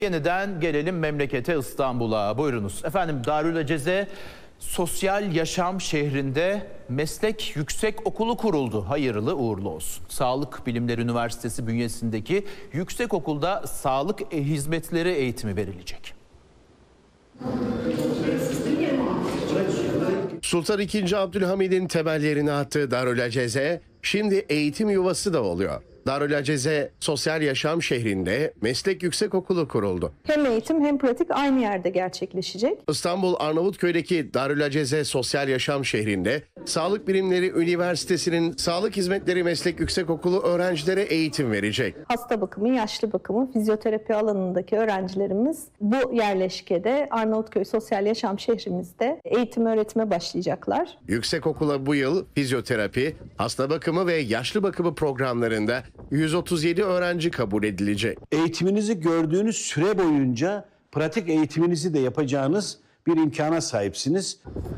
Yeniden gelelim memlekete, İstanbul'a. Buyurunuz. Efendim, Darülaceze Sosyal Yaşam şehrinde meslek yüksekokulu kuruldu. Hayırlı uğurlu olsun. Sağlık Bilimleri Üniversitesi bünyesindeki yüksekokulda sağlık hizmetleri eğitimi verilecek. Sultan II. Abdülhamid'in temellerini attığı Darülaceze şimdi eğitim yuvası da oluyor. Darülaceze Sosyal Yaşam şehrinde meslek yüksekokulu kuruldu. Hem eğitim hem pratik aynı yerde gerçekleşecek. İstanbul Arnavutköy'deki Darülaceze Sosyal Yaşam şehrinde Sağlık Bilimleri Üniversitesi'nin Sağlık Hizmetleri Meslek Yüksekokulu öğrencilere eğitim verecek. Hasta bakımı, yaşlı bakımı, fizyoterapi alanındaki öğrencilerimiz bu yerleşkede Arnavutköy Sosyal Yaşam şehrimizde eğitim öğretime başlayacaklar. Yüksekokula bu yıl fizyoterapi, hasta bakımı ve yaşlı bakımı programlarında 137 öğrenci kabul edilecek. Eğitiminizi gördüğünüz süre boyunca pratik eğitiminizi de yapacağınız bir imkana sahipsiniz.